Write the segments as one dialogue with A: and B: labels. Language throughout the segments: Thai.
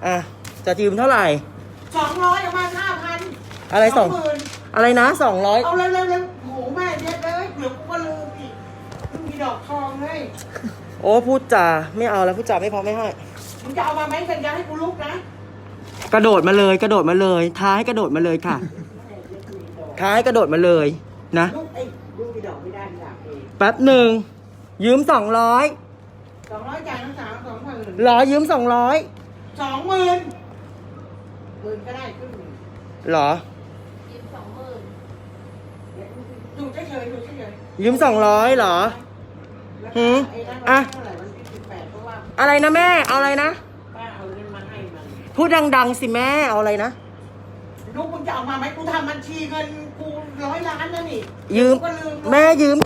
A: อ่ะจะยืมเท่าไหร่
B: 200ประมาณ5,000
A: อะไรสอง
B: 20,000
A: อะไรนะ200
B: เอาเร็วโหแม่เย็ดเลยเดี๋ยวกูก็ลืมอีกมีดอกทองเลย
A: โอ้พูดจาไม่เอาแล้วพูดจาไม่พอไม่ให้
B: มึงจะเอามาไหมสัญญาให้กูลุกนะ
A: กระโดดมาเลยกระโดดมาเลยท้ายกระโดดมาเลยค่ะท้ายกระโดดมาเลยนะ
B: ลุกไอ้ลุกมีดอกไม่ได้มีดอกเอง
A: แป๊บหนึ่งยืม200
B: 200จ่ายทั้ง3 20,000
A: รอยืม200
B: 20,000 10,000ก็ได้ครึ่งหนึ่ง
A: เหรอ
C: ยืม20,000
B: อยู่เฉยๆอยู่เฉย
A: ยืม200เหรอ
B: ๆแล้ว
A: หืม
B: ไอ้นั่น
A: อ่ะ
B: เท่าไหร่วันที่18เพราะว่า
A: อะไรนะแม่เอาอะไรนะ
B: ป้าเอาเงินมาให้มัน
A: พูดดังๆสิแม่เอาอะไรนะ
B: ลูกมึงจะเอามาไหมกูทำบัญชีเงินกู100 ล้านนะนี่
A: ยืม
B: กูก็ลืม
A: แม่ยืม200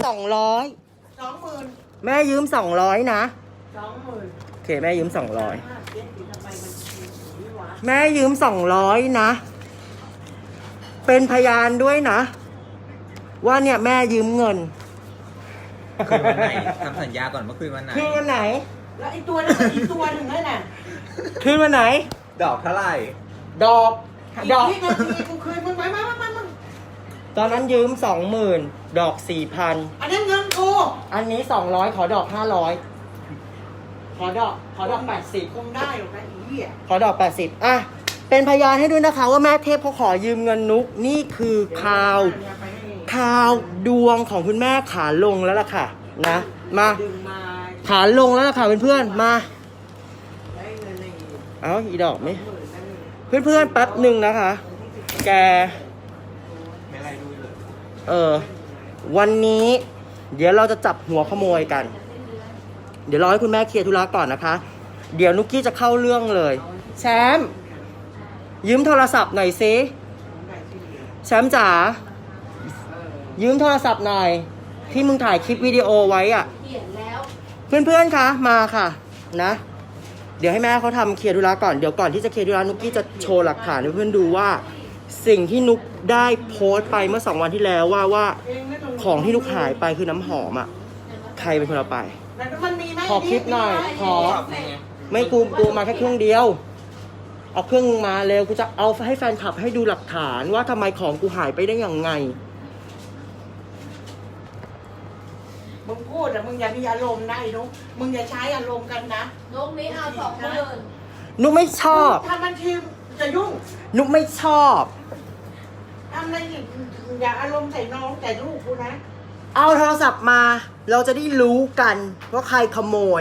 B: 20,000
A: แม่ยืม200นะ
B: 20,000
A: โอเคแม่ยืม200
B: ทำไมบัญชีนี้วะ
A: แม่ยืม200นะเป็นพยานด้วยนะ ว่าเนี่ยแม่ยืมเงิน
D: คืนวันไหนทำสัญญาก่อนเมื่อคืนวันไหน
A: คืนวันไหน
B: แล้วไอ้ตัวนั้นอีกตัวหนึ่งนั่นน่ะ
A: คืนวันไหน
D: ดอกเท่าไหร่
A: ดอก
B: อีก
A: ดอก
B: ที่นาทีกูคืนมึงไหมมา
A: ตอนนั้นยืม20,000ดอก 4,000
B: อันนั้นเงินกู
A: อันนี้200ขอดอก500ขอดอก80
B: คงได้หรอกนะอีเหี้ย
A: ขอดอก80อ่ะเป็นพยานให้ด้วยนะคะว่าแม่เทพเขาขอยืมเงินนุกนี่คือข่าวดวงของคุณแม่ขาลงแล้วล่ะค่ะนะมา
B: ดึงมา
A: ขาลงแล้วล่ะค่ะเพื่อนๆมา
B: ได้เงินใน
A: เอาอีดอกไหม
B: 10,000นั่น
A: เพื่อนๆแป๊บหนึ่งนะคะ แก
D: ไม่ไรดูเลย
A: วันนี้ เดี๋ยวเราจะจับหัวขโมยกัน เดี๋ยวรอให้คุณแม่เคลียร์ธุระก่อนนะคะ เดี๋ยวนุกกี้จะเข้าเรื่องเลยแชมป์ยืมโทรศัพท์หน่อยซิแชมป์จ๋ายืมโทรศัพท์หน่อย ที่มึงถ่ายคลิปวิดีโอไว้อะ
C: เขียนแล้ว
A: เพื่อนๆคะมาค่ะนะ เดี๋ยวให้แม่เขาทำเคลียร์ธุระก่อนเดี๋ยวก่อนที่จะเคลียร์ธุระนุกกี้จะโชว์หลักฐานให้เพื่อนดูว่า สิ่งที่นุกได้โพสต์ไปเมื่อ2 วันที่แล้วว่าของที่นุกหายไปคือน้ำหอมอ่ะใครเป็นคนเอาไป
B: แล้วมันมีไหม
A: ขอคลิปหน่อยขอ
D: ชอบไง
A: ไม่กูมาแค่เครื่องเดียวเอาเครื่องมาเร็วกูจะเอาให้แฟนคลับให้ดูหลักฐานว่าทำไมของกูหายไปได้ยังไง
B: มึงพูดอะมึงอย่ามีอารมณ์นะไอ้นุ๊กมึงอย่าใช้อารมณ์กันนะ
C: นกนี้เอา20,000
A: นุกไม่ชอบ
B: ทำบัญชีจะยุ่ง
A: นุกไม่ชอบ
B: ทำอะไรอีกอย่าอารมณ์ใส่น้องแต่ลูกกูนะ
A: เอาโทรศัพท์มา เราจะได้รู้กันว่าใครขโมย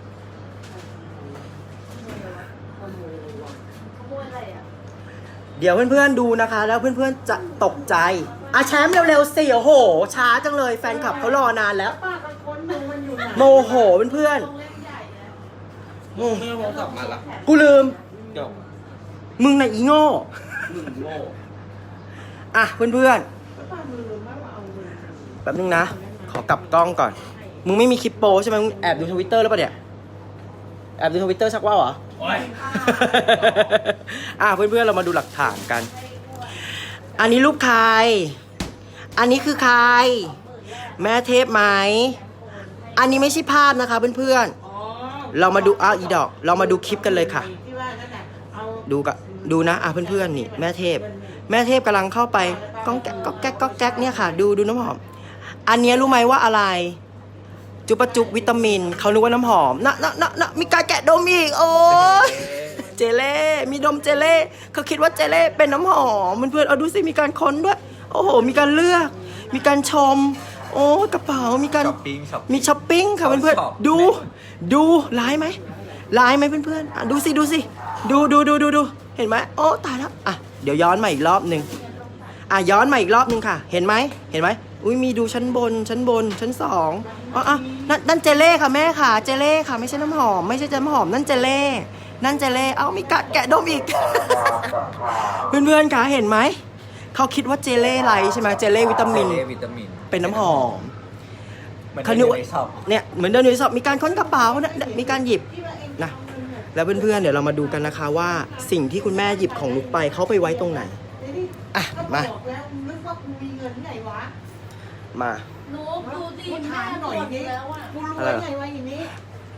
C: ขโมยอะไรอ่ะ
A: เดี๋ยวเพื่อนๆดูนะคะ แล้วเพื่อนๆจะตกใจอ่ะแชมป์เร็วๆสิโอ้โห ช้าจังเลยแฟนคลับเขารอนานแล้ว
B: ป้ากับคนดูมันอยู่ไหน
A: โมโหเพื่อน
C: โรงเล่นใหญ่นะ
A: ๆอืม
D: เมื่อโทรศัพท์มาละ
A: กูลืม
D: จบ
A: มึงน่ะอีโง่
D: มึงโง่
A: อ่ะเพื่อน
B: ป้ามือมาว่าเอาเงิน
A: ๆแป๊บนึงนะ ขอกลับกล้องก่อน มึงไม่มีคลิปโป้ใช่ไหมมึงแอบดูทวิตเตอร์แล้วปะเนี่ย แอบดูทวิตเตอร์ชักว่าวเหรอ
D: โอ้ย
A: อ่ะเพื่อนๆเรามาดูหลักฐานกัน อันนี้รูปใคร อันนี้คือใคร แม่เทพไหม อันนี้ไม่ใช่ภาพนะคะเพื่อน
B: อ๋อ
A: ๆ เรามาดูอ้าวอีดอก เรามาดูคลิปกันเลยค่ะ
B: ที่ว่านั่นน่ะเอา
A: ดูนะอ่ะเพื่อนๆนี่แม่เทพ แม่เทพกำลังเข้าไปก้องแก๊กก๊อกแก๊กก๊อกแก๊กเนี่ยค่ะ ดูน้ำหอม อันเนี้ยรู้ไหมว่าอะไร จุปะจุบวิตามินเขานึกว่าน้ำหอมนะมีการแกะดมอีกโอ้ยเจเล่มีดมเจเล่เขาคิดว่าเจเล่เป็นน้ำหอมเพื่อนๆเอาดูสิมีการค้นด้วย โอ้โหมีการเลือก มีการชม โอ้กระเป๋ามีการ
D: ช้อปปิ้งช็อป
A: มีช้อปปิ้งค่ะเพื่อน
D: ช็อป
A: ๆดูร้ายไหมเพื่อนๆอ่ะดูสิดูเห็นไหมโอ้ตายแล้วอ่ะเดี๋ยวย้อนมาอีกรอบหนึ่งอ่ะย้อนมาอีกรอบหนึ่งค่ะ เห็นไหมอุ้ยมีดูชั้นบนชั้น2อ๋อนั่นเจเล่ค่ะแม่ค่ะเจเล่ค่ะไม่ใช่น้ำหอมไม่ใช่น้ำหอมนั่นเจเล่เอ้ามีกัดแกะดมอีก เพื่อนๆค่ะเห็นไหมเขาคิดว่าเจเล่ไรใช่ไหมเจเล่วิตามิน
D: เจเล่วิตามิน
A: เป็นน้ำหอม
D: มัน
A: เขา
D: จะ
A: นึ
D: อก ยู่
A: ว่า
D: ในช็อป
A: เนี่ยเหมือนเดินอยู่ในสอบมีการค้นกระเป๋านะมีการหยิบนะแล้วเพื่อนๆเดี๋ยวเรามาดูกันนะคะว่าสิ่งที่คุณแม่หยิบของนุกไปเขาไปไว้ตรงไหน อ่ะ
B: ก็
A: มา
B: บอกแล้วนึกว่ากูมีเงินที่ไหนวะ
A: มา
C: นกดูดิ
B: กู
C: แม่
B: ถามห
C: หม
B: น่อย
C: ด
B: นี้
C: แล้วอ่ะ
B: กูรู้ได้ไงวะอย่างนี้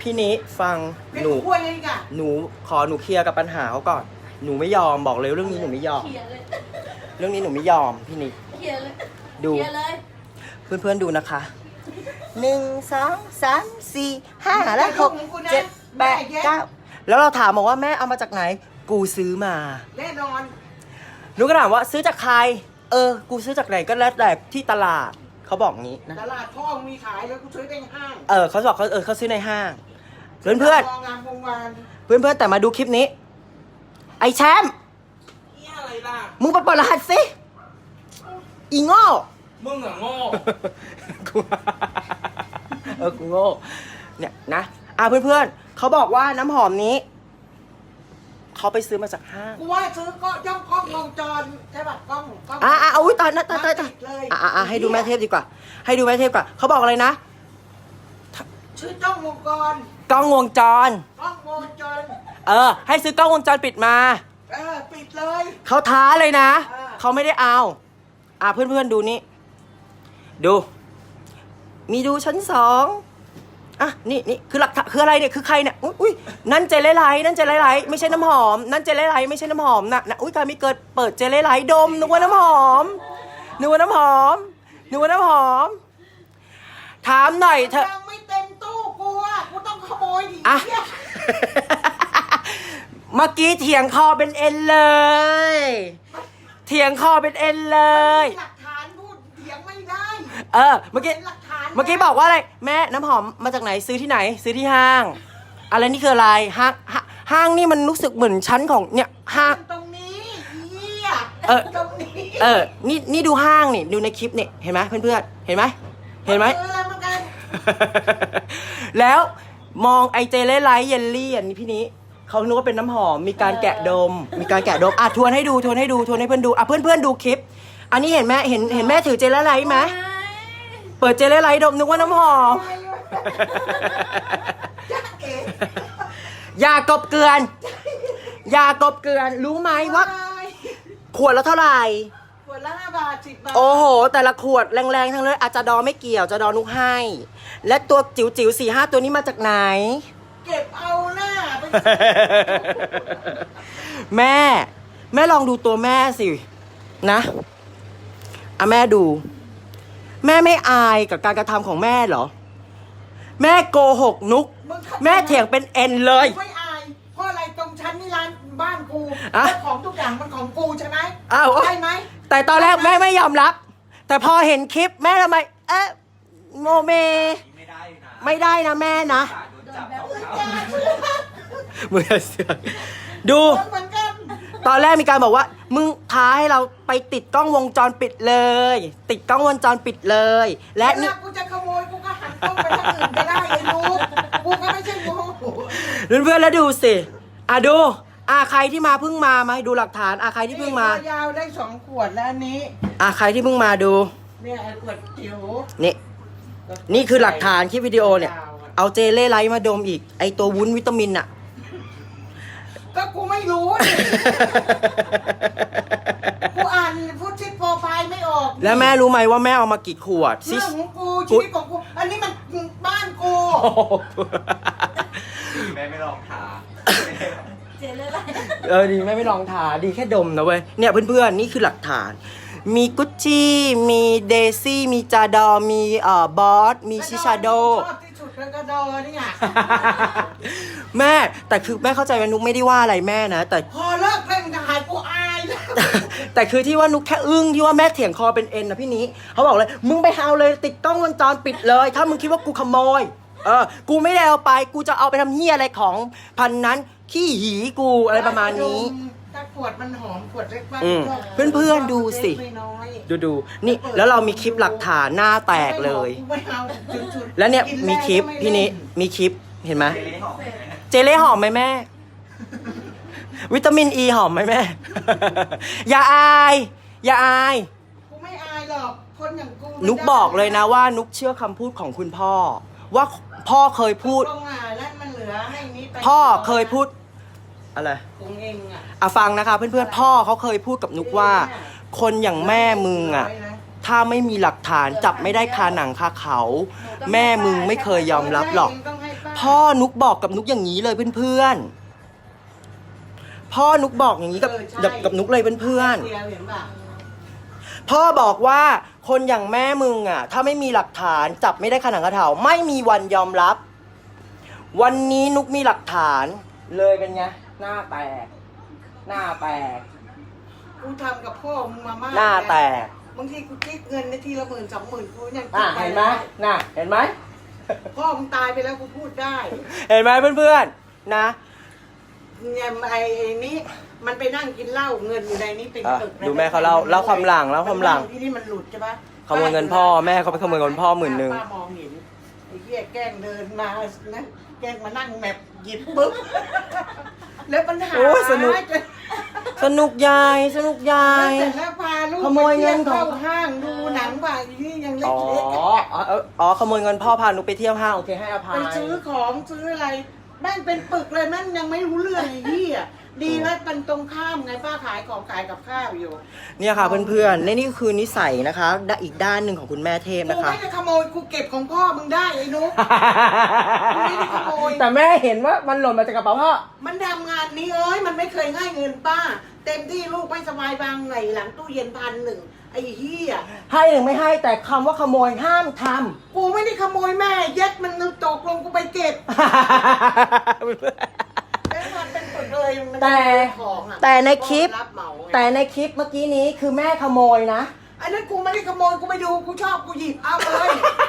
A: พี่นิฟัง
B: เป็น
A: หนู
B: ขั้วเลยก่ะ
A: หนูเคลียร์กับปัญหาเขาก่อน หนูไม่ยอมบอกเลยเรื่องนี้หนูไม่ยอม
C: เขียนเลย
A: เรื่องนี้หนูไม่ยอมพี่นิ
C: เขียนเลย
A: ดู
C: เขียนเลย
A: เพื่อนๆดูนะคะ1 2 3 4 5และ6 7 8 9แล้วเราถามบอกว่าแม่เอามาจากไหน กูซื้อมา
B: แน่นอน
A: หนูก็ถามว่าซื้อจากใคร กูซื้อจากไหนก็แล้วแต่ที่ตลาดเขาบอกงี้นะ
B: ตลาดพ่อมีขายแล้วกูซื้อในห้าง
A: เขาบอกเขาซื้อในห้าง เพื่อน
B: มองงามวงวาน
A: ๆเพื่อนๆแต่มาดูคลิปนี้ ไอ้แชมป์
B: นี่อะไรล่ะ
A: มึงไปเปิดรหัสสิอีโง่
B: มึงอะโง่
A: กูกูโง่เนี่ยนะเพื่อนๆเขาบอกว่าน้ำหอมนี้เขาไปซื้อมาจากห้าง
B: กูว่าซื้อก็ย่องกล้องวงจรใช่ป่ะกล้อง
A: อุ้ยตายนะตาย
B: เลย
A: ให้ดูแม่เทพดีกว่า ให้ดูแม่เทพก่อนเขาบอกอะไรนะ
B: ชื่อจ้องวงกร
A: กล้องวงจร
B: กล้องวงจร
A: ให้ซื้อกล้องวงจรปิดมา
B: ปิดเลย
A: เขาท้าเลยนะ
B: เออ
A: เขาไม่ได้เอาเพื่อนๆดูนี่ดู มีดูชั้น2นี่คือหลักฐานคืออะไรเนี่ยคือใครเนี่ยอุ้ยนั่นเจลไลท์นั่นเจลไลท์ไม่ใช่น้ำหอมนั่นเจลไลท์ไม่ใช่น้ำหอมนะอุ้ยการมีเกิดเปิดเจลไลท์ดมนึกว่าน้ำหอมนึกว่าน้ำหอมนึกว่าน้ำหอมถามหน่อยเถอะ
B: ยังไม่เต็มตู้กูอ่ะกูต้องขโมยดิ
A: อ่ะ
B: เนี่ย
A: เมื่อกี้เถียงคอเป็นเอ็นเลยเถียงคอเป็นเอ็นเลย
B: หลักฐานพูดเถียงไม่ได้
A: เมื่อกี้
B: หลักฐาน
A: เมื่อกี้บอกว่าอะไรแม่น้ำหอมมาจากไหนซื้อที่ไหนซื้อที่ห้าง อะไรนี่คืออะไรห้างนี่มันรู้สึกเหมือนชั้นของเนี่ยห้าง
B: ตรงนี้เหี้ย ตรงนี้
A: นี่ดูห้างนี่ดูในคลิปนี่เห็นไหมเพื่อนๆเห็นไหมเห็นไหม
B: อะไรเหมือนกัน
A: แล้วมองไอเจลไลท์เยลลี่อันนี้พี่นี้เขานึกว่าเป็นน้ำหอมมีการแกะดมทวนให้ดูทวนให้เพื่อนดูเพื่อนๆดูคลิป อันนี้เห็นไหมเห็นแม่ถือเจลไลท์ไหมเปิดเจลไลท์ดมนึกว่าน้ำหอม
B: จ๊ะเอ๋
A: อย่ากบเกลือนรู้ไหมว่าขวดละเท่าไหร่
B: ขวดละ5 บาท 10 บาท
A: โอ้โห แต่ละขวดแรงๆทั้งเลยอาจจะดอไม่เกี่ยวจะดอนุกให้ และตัวจิ๋วๆ4-5 ตัวนี้มาจากไหน
B: เก็บเอาหน้าไป
A: แม่ลองดูตัวแม่สินะแม่ดู แม่ไม่อายกับการกระทำของแม่เหรอ แม่โกหกนุก แม่เถียงเป็นเอ็นเลย
B: ไม่อายเพราะอะไรตรงชั้นนี่ร้านบ้านกู
A: อ่ะ
B: แล้วของทุกอย่างมันของกูใช่ไหม
A: อ้าว
B: ใช่ไหม
A: แต่ตอนแรกแม่ไม่ยอมรับ แต่พอเห็นคลิปแม่ทำไมโมเม
D: ไม่ได้นะ
A: ไม่ได้นะแม่นะ
D: โดนจับเขา
B: อย่าเชื่อ
A: มือเสือกดู
B: เหมือนกัน
A: ตอนแรกมีการบอกว่า มึงท้าให้เราไปติดกล้องวงจรปิดเลย ติดกล้องวงจรปิดเลย และ
B: เว
A: นี่
B: ลากูจะขโมยกูก็หันกล้องไปทางอื่นก็ได้เลยลูกกูก็ไม่ใช่โง่
A: เพื่อนๆแล้วดูสิดูใครที่มาเพิ่งมาให้ดูหลักฐานใครที่เพิ่งมา
B: ตัวยาวได้2 ขวดแล้วอันนี้
A: ใครที่เพิ่งมาดู
B: เนี่ยไอ้ขวดจิ๋ว
A: นี่คือหลักฐานคลิปวิดีโอเนี่ย เอาเจลเล่ไลท์มาดมอีก ไอตัววุ้นวิตามินอะ
B: ก็กูไม่รู้นี่ กูอ่านพูดชิดโปรไฟล์ไม่ออก
A: แล้วแม่รู้ไหมว่าแม่เอามากี่ขวด
B: เรื่องของกูชีวิตของกู อันนี้มันบ้านกู
D: แม่ไม่ลองทา
C: เจนเลยอะไร
A: ดีแม่ไม่ลองทาดีแค่ดมนะเว้ยเนี่ยเพื่อนๆนี่คือหลักฐาน มีกุชชี่มีเดซี่มีจาดอมีบอสมีชิชาโด
B: ชอบที่สุดแล้วก็ดอเนี่ย
A: แม่แต่คือแม่เข้าใจว่านุกไม่ได้ว่าอะไรแม่นะแต่
B: พอเลิกเล่นถ่ายกูอายแล้ว
A: แต่คือที่ว่านุกแค่อึ้งที่ว่าแม่เถียงคอเป็นเอ็นนะพี่นี้เขาบอกเลยมึงไปเอาเลยติดกล้องวงจรปิดเลย ถ้ามึงคิดว่ากูขโมยกูไม่ได้เอาไปกูจะเอาไปทำเหี้ยอะไรของพันนั้นขี้หีกูอะไรประมาณนี้
B: ถ้าขวดมันหอมขวดเล็กมาก
A: เพื่อนๆดูสิ
B: ไม่น้อย
A: ดูนี่แล้วเรามีคลิปหลักฐานหน้าแตกเลย
B: ไม่เอาจุดๆ
A: แล้วเนี่ย
B: กิ
A: มีคลิป
B: แรงก็
A: พี่
B: ไม่
A: นี้
B: เล่
A: มีคลิปเห็นไหม
D: เจลลี่หอมไหม
A: เจเล่หอมไหมแม่ วิตามินอีหอมไหมแม่ อย่าอาย
B: กูไม่อายหรอกคนอย่างกู
A: นุกบอกเลยนะว่านุกเชื่อคำพูดของคุณพ่อ ว่าพ่อเคยพูด
B: ตรงแล้วมันเหลือให้นี้ไป
A: พ่อเคยพูดอะไร
B: ของเองอ่ะ
A: ฟังนะคะเพื่อนๆพ่อเขาเคยพูดกับนุกว่า คนอย่างแม่มึงถ้าไม่มีหลักฐานจับไม่ได้คาหนังคาเขา แม่มึงไม่เคยยอมรับหรอก พพ่อนุกบอกกับนุกอย่างนี้เลยเพื่อนๆพ่อนุกบอกอย่างนี้กับนุกเลยเพื่อนๆ
B: เดียวเห็นป่ะ
A: พ่อบอกว่าคนอย่างแม่มึงอ่ะถ้าไม่มีหลักฐานจับไม่ได้ขนังกระเถาไม่มีวันยอมรับ วันนี้นุกมีหลักฐานเลยเป็นไงหน้าแตกหน้าแตก
B: กูทำกับพ่อมึงมามาก
A: หน้าแตก
B: บางทีกูคิดเงินในทีละ10,000 20,000กูยัง
A: เห็นไหมน่ะเห็นไหม
B: พ่อมึงตายไปแล้วกูพูดได้
A: เห็นไหมเพื่อนๆนะ
B: เนี่ยไอ้นี้มันไปนั่งกินเหล้าเงินอยู่ในนี้เป็นตึก
A: ดูแม่เขาเล่าความหลังแล้วความหลัง
B: ที่นี่มันหลุดใช่ปะ
A: ขโมยเงินพ่อแม่เขาไปขโมยเงินพ่อ10,000
B: ป้ามองเห็นไอ้เหี้ยแกล้งเดินมานะแกล้งมานั่งแมปหยิบปุ๊บแล้วปัญหา
A: โอ้ยสนุก สนุกยายสนุกยาย
B: เสร็จแล้วพาลูก
A: ขโมยเงินของ
B: เข้าห้างดูหนังป่ะนี่ยังเล็
A: อ๋อก ขโมยเงินพ่อพานุกไปเที่ยวห้างโอเคให้อ
B: ๆ
A: ภั
B: ไป
A: ย
B: ซื้อของซื้ออะไรแม่งเป็นปึกเลยแม่งยังไม่รู้เรื่องไอ้เหี้ยดีแล้วมันตรงข้ามไงป้าขายของขายกับข้าวอยู่
A: เนี่ยค่ะเพื่อนๆนี่คือนิสัยนะคะอีกด้านหนึ่งของคุณแม่เทพ
B: กู
A: นะคะ
B: ไม่ได้ขโมยกูเก็บของพ่อมึงได้ไอ้นุ๊ก ไม่ได้ขโมย
A: แต่แม่เห็นว่ามันหล่นมาจากกระเป๋าพ่อ
B: มันทำงานนี้เอ้ยมันไม่เคยให้เงินป้า เต็มที่ลูกไม่สบายบางไงหลังตู้เย็น1,100ไอ้เหี้ย
A: ให้หรือไม่ให้แต่คำว่าขโมยห้ามท
B: กูไม่ได้ขโมยแม่เย็ดมันตกลงกูไปเก็บ
A: ำ
B: เป็นปึกเลยมัน
A: แต่
B: ของอะ
A: แต่ในคลิป
B: รับเหมาไง
A: แต่ในคลิปเมื่อกี้นี้คือแม่ขโมยนะ
B: อันนั้นกูไม่ได้ขโมยกูไปดูกูชอบกูหยิบเอาเลย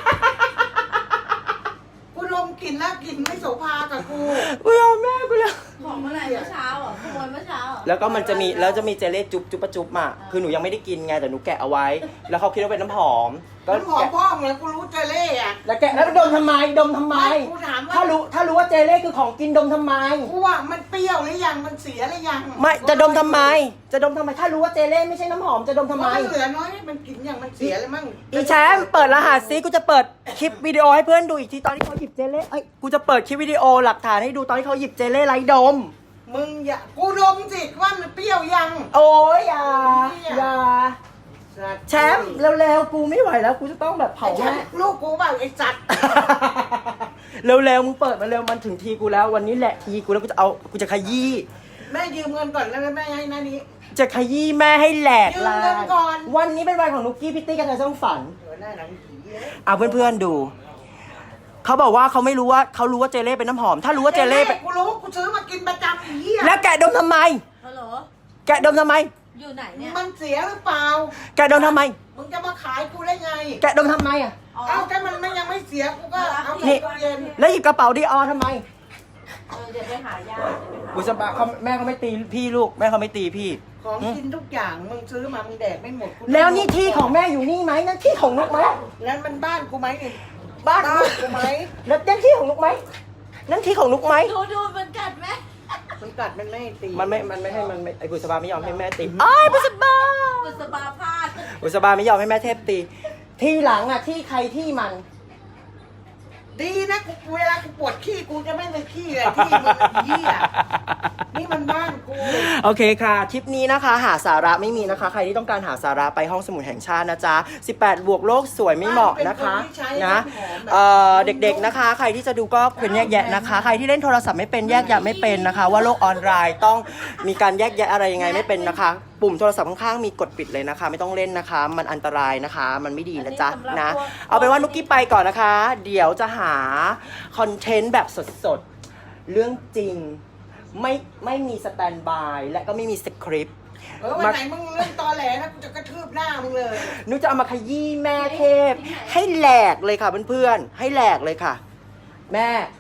B: กูดมกลิ่นแล้วกลิ่นไม่โสภากับกู
A: กูยอมแม่กูเลย
C: ของเมื่อไหร่เมื่อเช้าอ่ะขโมยเมื่อเช้าอ่ะ
A: แล้วก็มันจะมีเจเล่จุ๊บจุ๊บปะจุ๊บอ่ะคือหนูยังไม่ได้กินไงแต่หนูแกะเอาไว้ แล้วเขาคิดว่าเป็นน้ำหอมก็
B: น้ำหอม
A: แกะ
B: พ่อมึงแล้วกูรู้เจเล่อะ
A: แล้วแกะแล้วดมทำไมดมทำไม
B: กูถามว่า
A: ถ้ารู้ว่าเจเล่คือของกินดมทำไม
B: กูว่ามันเปรี้ยวหรือยังมันเสียหรือยัง
A: ไม่จะดมทำไม จะดมทำไม ถ้ารู้ว่าเจเล่ไม่ใช่น้ำหอมจะดมทำไม
B: มันเหลือน้อยมันกินอย่างมันเสียแล้วมั้ง
A: อีแชมป์เปิดรหัสซิกูจะเปิดคลิปวิดีโอให้เพื่อนดูอีกทีตอนที่เขาหยิบเจเล่เอ้ยกูจะเปิดคลิปวิดีโอหลักฐานให้ดูตอนที่เขาหยิบเจเล่ไร้ดม
B: มึงอย่ากูดมสิว่ามันเปรี้ยวยัง
A: โอ้ยอย่าแชมป์เร็วๆกูไม่ไหวแล้วกูจะต้องแบบเผา
B: ไอ้ฉั
A: แม่
B: นลูกกูเปล่าไอ้สัตว์
A: เร็วๆมึงเปิดมาเร็วมันถึงทีกูแล้ววันนี้แหละทีกูแล้วกูจะขยี้
B: แม่ยืมเงินก่อนแล้วแม่ให้หน้านี้
A: จะขยี้แม่ให้แหลก
B: ยืม
A: ลา
B: เงิน
A: ย
B: ก่อน
A: วันนี้เป็นวันของนุกกี้พิตตี้กันในช่องฝัน
B: เดี๋ยวหน้าหนังผีเลย
A: เอาเพื่อนๆดูเขาบอกว่าเขาไม่รู้ว่าเขารู้ว่าเจเล่เป็นน้ำหอม ถ้ารู้ว่าเจเล่เป็น
B: กูรู้กูซื้อมากินประจำไอ้เหี้ย
A: แล้วแกะดมทำไม
C: ฮัลโหล
A: แกะดมทำไม
C: อยู่ไหนเนี่ย
B: มันเสียหรือเปล่า
A: แกะดมทำไม
B: มึงจะมาขายกูได้ไง
A: แกะดมทำไมอ่ะ
C: อ๋อ
B: เอาถ้ามันไม่ยังไม่เสียกูก็เอา
A: นี่
B: ใส่ตู้เย็น
A: แล้วหยิบกระเป๋าดีออทำไม
C: เดี๋ยวไปหาญาติเดี๋ยวไปหา
A: บุษบาเขาแม่เขาไม่ตีพี่ลูกแม่เขาไม่ตีพี่
B: ของกินทุกอย่างมึงซื้อมามึงแดกไม่หมดกู
A: แล้วนี่ที่ของแม่อยู่นี่ไหมนั่นที่ของนุกไหม
B: แล้วมันบ้านกูไหมนี่
A: บ้าน
B: บ้านกูไหม
A: แล้วนั่นที่ของนุกไหมนั่นที่ของนุกไหม
C: ดูมันกัดไหม
B: มันกัดมันไม่ให้ตี
A: มันไม่ให้มันไม่ไอ้บุษบาไม่ยอมให้แม่ตีอ้ายบุษบา
C: บุษบาพลาด
A: บุษบาไม่ยอมให้แม่เทพตี ที่หลังอ่ะที่ใครที่มัน
B: ดีนะกูเวลากูปวดขี้กูจะไม่ไปขี้เลยที่มึงไอ้เหี้ยนี่มันบ้านกู
A: โอเคค่ะคลิปนี้นะคะ หาสาระไม่มีนะคะ ใครที่ต้องการหาสาระไปห้องสมุดแห่งชาตินะจ๊ะ18 บวกโลกสวยไม่เหมาะนะคะนะเด็กๆนะคะ ใครที่จะดูก็ควรแยกแยะนะคะ ใครที่เล่นโทรศัพท์ไม่เป็นแยกแยะไม่เป็นนะคะ ว่าโลกออนไลน์ต้องมีการแยกแยะอะไรยังไงไม่เป็นนะคะ ปุ่มโทรศัพท์ข้างๆมีกดปิดเลยนะคะ ไม่ต้องเล่นนะคะ มันอันตรายนะคะ มันไม่ดีนะจ๊ะนะเอาเป็นว่านุกกี้ไปก่อนนะคะ เดี๋ยวจะหาคอนเทนต์แบบสดๆเรื่องจริงไม่มีสแตนด์บายและก็ไม่มีสคริปต์
B: วันไหนมึงเล่นตอแหลนะกูจะกระทืบหน้ามึงเลย
A: นุกจะเอามาขยี้แม่เทพ ให้แหลกเลยค่ะเพื่อนๆให้แหลกเลยค่ะ แม่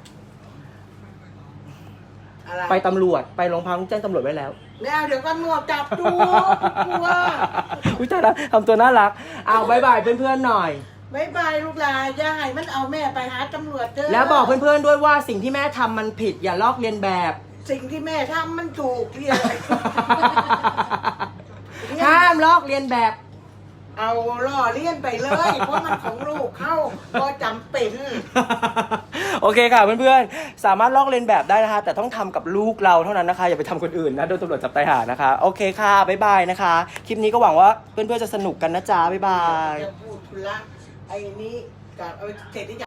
B: อะไร
A: ไปตำรวจไปโรงพักแจ้งตำรวจไว้แล้ว
B: ไม่เอาเดี๋ยวกันหนวดจับดูกลัว
A: อุ้ยตายแล้วทำตัวน่ารักเอาบายบายเพื่อนๆหน่อย
B: บายบายลูกหลานอย่าให้มันเอาแม่ไปหาตำรวจเจอ
A: แล้วบอกเพื่อนๆด้วยว่าสิ่งที่แม่ทำมันผิดอย่าลอกเลียนแบบ
B: สิ่งที่แม่ทำมันถูกที่อะไร
A: ห้ามลอกเลียนแบบ
B: เอาล่อเลี้ยนไปเลย เพราะมันของลูกเข้าก็จำเป็น
A: โอเคค่ะเพื่อนๆสามารถลอกเลียนแบบได้นะคะ แต่ต้องทำกับลูกเราเท่านั้นนะคะ อย่าไปทำคนอื่นนะโดนตำรวจจับตายหานะคะโอเคค่ะบ๊ายบายนะคะ คลิปนี้ก็หวังว่าเพื่อนๆจะสนุกกันนะจ๊ะบ๊ายบาย
B: จะพูดธุระไอ้นี้กับเอาเสร็จที่